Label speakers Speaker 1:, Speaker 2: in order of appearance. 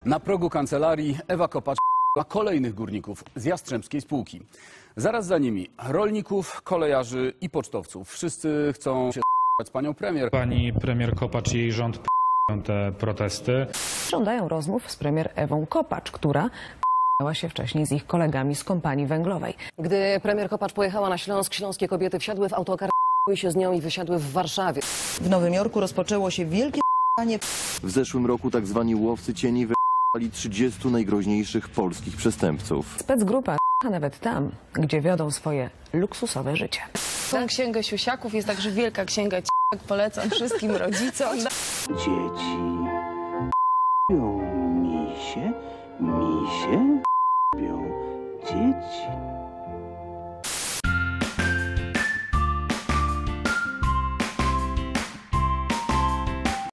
Speaker 1: Na progu kancelarii Ewa Kopacz dla kolejnych górników z Jastrzębskiej Spółki. Zaraz za nimi rolników, kolejarzy i pocztowców. Wszyscy chcą się z panią premier.
Speaker 2: Pani premier Kopacz i jej rząd te protesty.
Speaker 3: Żądają rozmów z premier Ewą Kopacz, która miała się wcześniej z ich kolegami z kompanii węglowej.
Speaker 4: Gdy premier Kopacz pojechała na Śląsk, śląskie kobiety wsiadły w autokar, się z nią i wysiadły w Warszawie.
Speaker 5: W Nowym Jorku rozpoczęło się wielkie p***anie.
Speaker 6: W zeszłym roku tak zwani łowcy cieni wybrali 30 najgroźniejszych polskich przestępców.
Speaker 3: Specgrupa nawet tam, gdzie wiodą swoje luksusowe życie.
Speaker 7: Tą księgę siusiaków jest także wielka księga c***ek, polecam wszystkim rodzicom.
Speaker 8: Dzieci misie, misie dzieci.